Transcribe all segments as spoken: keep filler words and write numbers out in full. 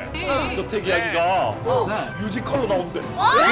디저택 이야기가 어. 네. 뮤지컬로 나온대.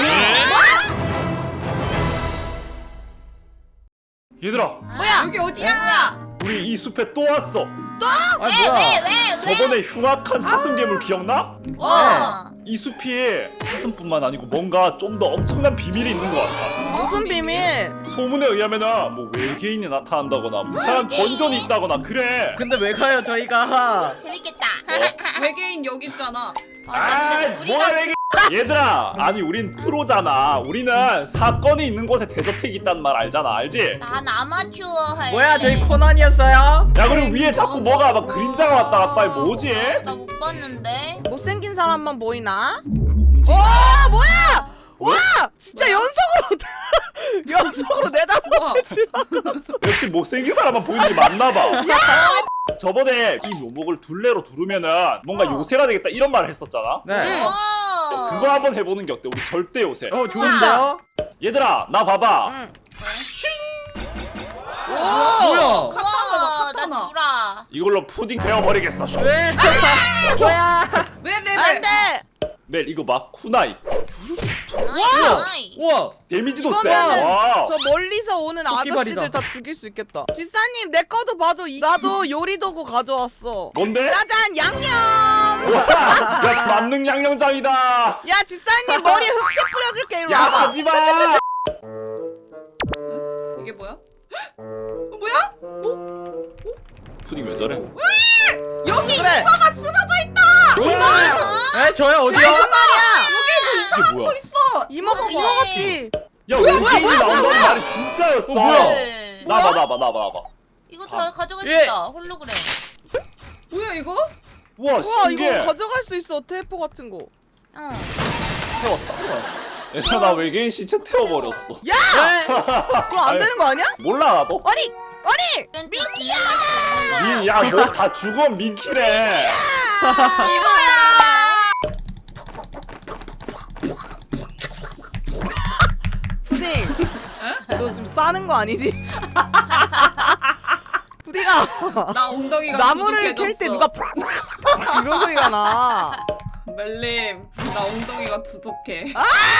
얘들아, 뭐야? 여기 어디야? 뭐야? 우리 이 숲에 또 왔어. 아 뭐야? 왜? 왜? 저번에 흉악한 사슴괴물 기억나? 어. 이 숲이 사슴뿐만 아니고 뭔가 좀 더 엄청난 비밀이 있는 것 같아. 무슨 비밀? 소문에 의하면은 뭐 외계인이 나타난다거나 이상한 외계인? 던전이 있다거나 그래. 근데 왜 가요 저희가? 재밌겠다. 외계인 여기 있잖아. 아, 뭐야 외계인? 얘들아, 아니 우린 프로잖아. 우리는 사건이 있는 곳에 대저택이 있단 말 알잖아, 알지? 난 아마추어 할. 뭐야 저희 코난이었어요? 야, 그리고 위에 자꾸 뭐가 막 그림자가 왔다 갔다 해. 뭐지? 나 못 봤는데. 못생긴 사람만 보이나? 움직이- 와 뭐야? 와 진짜 연속으로 연속으로 네다섯 개 지나갔어. 역시 못생긴 사람만 보이는 게 맞나봐. 저번에 이 묘목을 둘레로 두르면은 뭔가 어. 요새가 되겠다 이런 말을 했었잖아. 네. 와. 그거 한번 해보는 게 어때? 우리 절대 요새. 어 좋은데요? 얘들아, 나 봐봐. 응. 뭐야? 우와, 나 주라. 이걸로 푸딩 베어버리겠어. 숑. 왜? 뭐야? 왜 내? 안돼. 멜 이거 봐. 쿠나이. 나이. 우와. 데미지도 세. 이거는 와. 저 멀리서 오는 토끼발이다. 아저씨들 다 죽일 수 있겠다. 뒷사님 내 거도 봐도 이... 나도 요리 도구 가져왔어. 뭔데? 짜잔 양념. 와, 야, 만능 양념장이다. 야 뒷사님 머리에 흑채 뿌려줄게. 이리 야, 와봐. 하지마. 이게 뭐야? 어, 뭐야? 푸딩 왜 저래? 여기 그래. 이거가 쓰러져 있다. 에 저요 어디요? 무슨 말이야? 이게 뭐야? 있어. 이모가 뭐지? 먹었지. 야, 외계인이 나온다는 말이 진짜였어. 어, 뭐야? 네. 나봐, 나봐, 나봐, 나봐. 이거 다 가져갈 수 예. 있다. 홀로그램. 뭐야 이거? 우와, 와 신기해. 이거 가져갈 수 있어. 테이프 같은 거. 응. 태웠다. 얘들아, 나 외계인 시체 태워버렸어. 야! 그거 안 아니. 되는 거 아니야? 몰라, 나도. 아니 아니. 민키야. 민, 야, 뭐 다 죽어, 민키래. 푸딩. 너 지금 싸는 거 아니지? 푸딩아. 나 엉덩이가 나무를 캘 때 두둑해졌어. 누가 팍팍팍 이런 소리가 나. 멜림, 나 엉덩이가 두둑해.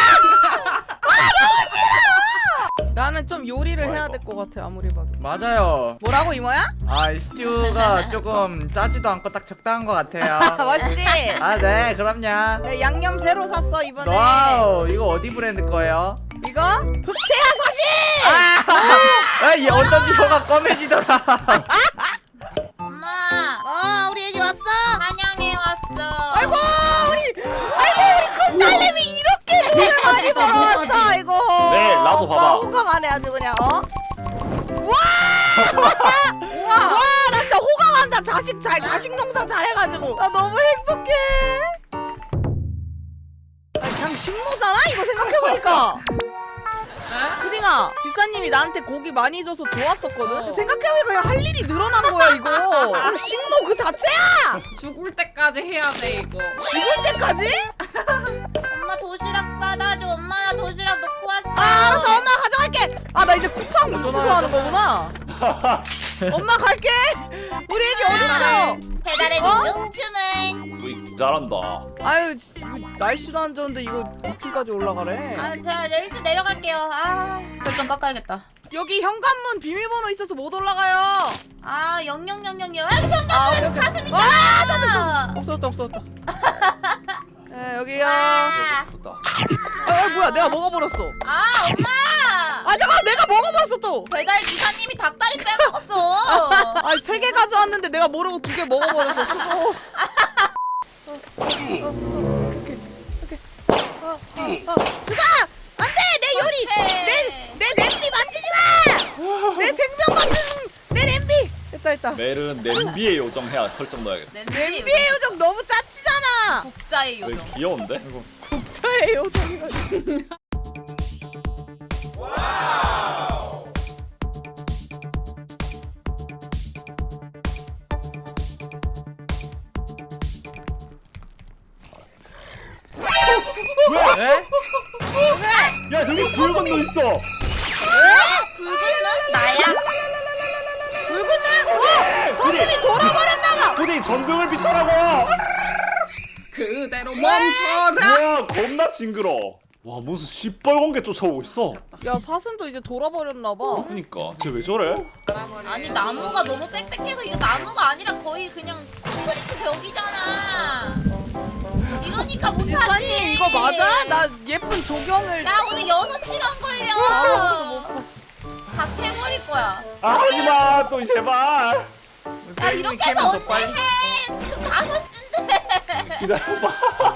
나는 좀 요리를 해야 될 것 같아 아무리 봐도. 맞아요. 뭐라고 이모야? 아 이 스튜가 조금 짜지도 않고 딱 적당한 것 같아요. 맛있지? 아 네 그럼요. 네, 양념 새로 샀어 이번에. 와우 이거 어디 브랜드 거예요? 이거 흑채야 사실. 아 이 어쩐지 혀가 검해지더라. 엄마. 아 우리 애기 왔어? 환영해 왔어. 아이고 우리 아이고 우리 큰 딸내미 이렇게 돈을 많이 벌어왔어. 아이고. 네, 나도 오빠 봐봐. 호강하네 아주 그냥 어? 와! 와, 나 진짜 호강한다. 자식 잘 자식 농사 잘해가지고 나 너무 행복해. 아니, 그냥 식모잖아 이거 생각해보니까. 푸딩아, 지사님이 나한테 고기 많이 줘서 좋았었거든. 어. 생각해보니까 그냥 할 일이 늘어난 거야 이거. 식모 그 자체야. 죽을 때까지 해야 돼 이거. 죽을 때까지? 엄마 도시락 싸다 줘. 엄마 나 도시락 놓고 왔어. 아, 알았어 엄마 가져갈게. 아 나 이제 쿠팡 위치로 하는 거구나. 엄마 갈게. 우리 애기 어딨어? 배달의 어? 둥둥춤을. 우리 잘한다. 아유 날씨도 안 좋은데 이거 이 층까지 올라가래. 아, 제가 이제 일찍 내려갈게요. 아, 결정 깎아야겠다. 여기 현관문 비밀번호 있어서 못 올라가요. 아, 영영영영영. 아, 잠깐만. 아, 오케이, 오케이. 사슴 와, 있잖아. 없어졌다 없어졌다. 에 여기요. 아, 좋다. 아, 아 뭐야 내가 먹어버렸어. 아, 엄마. 아 잠깐 내가 먹어버렸어 또. 배달 기사님이 닭다리 빼먹었어. 아세 개 가져왔는데 내가 모르고 두 개 먹어버렸어. 수고. 어, 어, 어, 오케이 오케이. 어, 어, 어. 그가 안돼 내 요리 내 내 냄비 만지지 마. 내 생명 같은 내 냄비. 됐다 됐다. 멜은 냄비에 요정해야 설정 넣어야겠다. 냄비의 요정 너무 짜치잖아. 국자의 되게 요정. 귀여운데? 국자의 요정이라니. 에? 야, 저기 붉은 눈 있어. 붉은 눈 나야. 붉은 눈? 어! 서준이 돌아버렸나봐. 푸딩 전등을 비춰라고. 그대 대로 멈춰라. 뭐야 겁나 징그러. 와 무슨 시뻘건 게 쫓아오고 있어. 야 사슴도 이제 돌아버렸나봐. 그니까 쟤 왜 저래? 아니 나무가 너무 빽빽해서 이거 나무가 아니라 거의 그냥 콘크리트 벽이잖아. 이러니까 못하지. 지사님 이거 맞아? 나 예쁜 조경을 나 오늘 여섯 시간 걸려. 아무것도 다 캐버릴 거야. 아 하지마 또 제발. 야 이렇게 해서 언제 해? 지금 다섯 시인데. 기다려봐.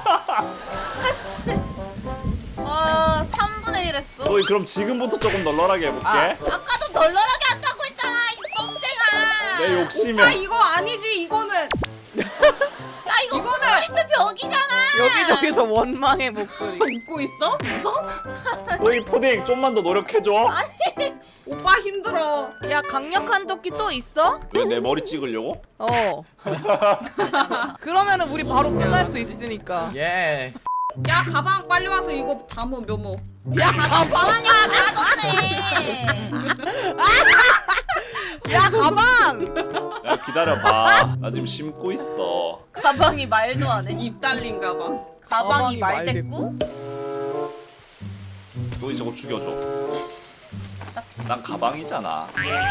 아 삼분의 일 했어. 너희 그럼 지금부터 조금 널널하게 해볼게. 아, 아까도 널널하게 한다고 했잖아 이 뻥쟁아. 내 아 욕심에. 이거 아니지 이거는. 야 이거 콘크리트 벽이잖아. 여기저기서 원망의 목소리. 웃고 있어? 웃어? 너희 푸딩 좀만 더 노력해줘. 오빠 힘들어. 야 강력한 도끼 또 있어? 왜 내 머리 찍으려고? 어. 그러면은 우리 바로 끝날 수 있으니까. 예. 야 가방 빨리 와서 이거 담어 묘모. 야 가방. 아니야 가졌네. 야 가방. 야 기다려봐. 나 지금 심고 있어. 가방이 말도 안 해. 입 달린 가방. 가방이 가방이 말대꾸? 너희 저거 죽여줘. 난 가방이잖아.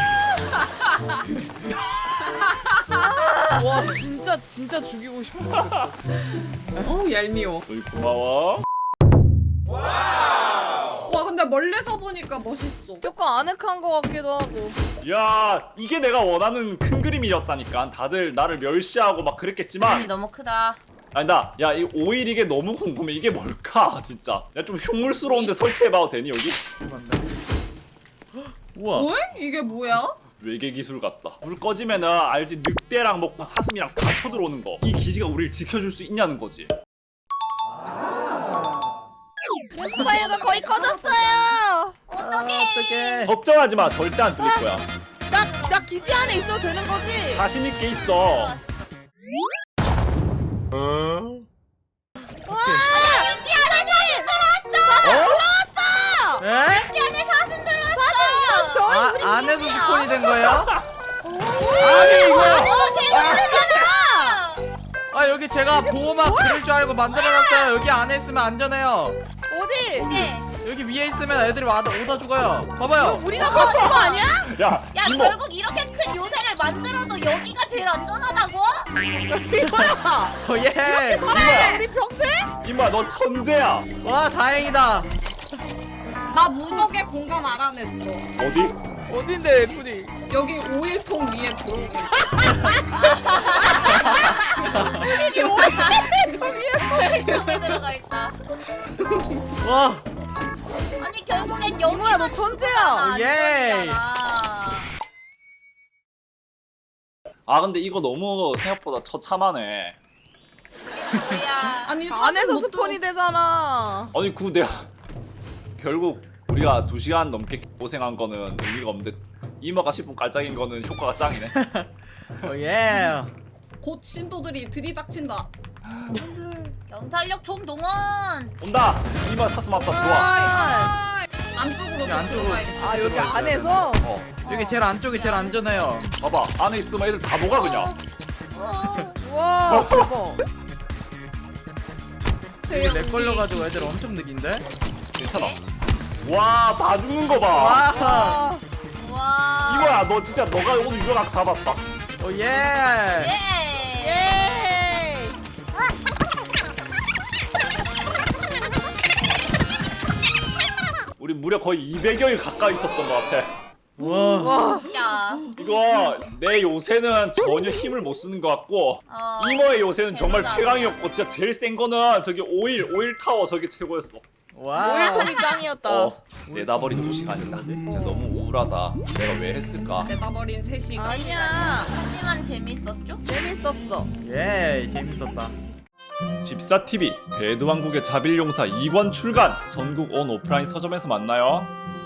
와 진짜 진짜 죽이고 싶어. 어우 얄미워. 너희 고마워. 와 근데 멀리서 보니까 멋있어. 조금 아늑한 거 같기도 하고. 야 이게 내가 원하는 큰 그림이었다니까. 다들 나를 멸시하고 막 그림이 그랬겠지만 너무 크다. 아니다. 야 이 오일 이게 너무 궁금해. 이게 뭘까 진짜. 야 좀 흉물스러운데 설치해봐도 되니 여기? 우와. 뭐야? 이게 뭐야? 외계 기술 같다. 불 꺼지면은 알지 늑대랑 뭐 사슴이랑 다 쳐들어오는 거. 이 기지가 우리를 지켜줄 수 있냐는 거지. 파이어가 거의 꺼졌어요. 어떡해. 어떡해. 걱정하지 마. 절대 안 들릴 거야. 나, 나 기지 안에 있어도 되는 거지? 자신 있게 있어. 기지 안에 사슴 들어왔어. 어? 들어왔어. 에? 기지 안에 사슴 들어왔어. 저희 아, 우리 안에서 기지야. 스폰이 된 거예요? 아니 이거. 어 생각나잖아. 아 여기 제가 보호막 그릴 줄 알고 만들어놨어요. 여기 안에 있으면 안전해요. 어디? 네. 여기 위에 있으면 애들이 와, 오다 죽어요. 봐봐요. 우리가 꺼진 거 아니야? 야 야 이모. 결국 이렇게 큰 요새를 만들어도 여기가 제일 안전하다고? 이거야. 어, 예. 살아야 우리 평생? 이마 너 천재야. 와 다행이다. 나 무적의 공간 알아냈어. 어디? 어딘데 애플이? 여기 오일통 위에 들어오고 있어. 이게 오해. 통에 들어가 있다. 와. 아니 결국엔 여기가 이모야 너 천재야. 예. 아 근데 이거 너무 생각보다 처참하네. 뭐야? 아니 사슴 안에서 못 스폰이 되잖아. 아니 그 내가 결국 우리가 두 시간 넘게 고생한 거는 의미가 없는데 이마가 십 분 깔짝인 거는 효과가 짱이네. 어, 예. 곧 신도들이 들이닥친다. 경찰력 총동원. 온다. 이마 사슴 왔다. 좋아. 아, 안쪽으로 여기 안쪽으로. 들어가야겠다. 아 여기 안에서? 어. 여기 제일 안쪽이 제일 안전해요. 봐봐. 안에 있으면 애들 다 녹아 그냥. 어, 와 대박. 여기 렉 걸려가지고 애들 엄청 느긴데? 괜찮아. 와, 다 죽는 거 봐. 와. 아, 와. 이거야, 너 진짜 너가 오늘 유rak 잡았다. 어, 예. 예. 예. 우리 무려 거의 이백여일 가까이 있었던 것 같아. 와. 와. 야. 이거 내 요새는 전혀 힘을 못 쓰는 것 같고 어. 이모의 요새는 정말 대단하네. 최강이었고 진짜 제일 센 거는 저기 오일 오일 타워 저게 최고였어. 와. 오일통이 짱이었다. 어, 내다버린 두 시간이다. 진짜 너무 우울하다. 내가 왜 했을까? 내다버린 세 시간. 아니야. 하지만 재밌었죠? 재밌었어. 예, 재밌었다. 집사티비 배드왕국의 자빌용사 이 권 출간. 전국 온 오프라인 서점에서 만나요.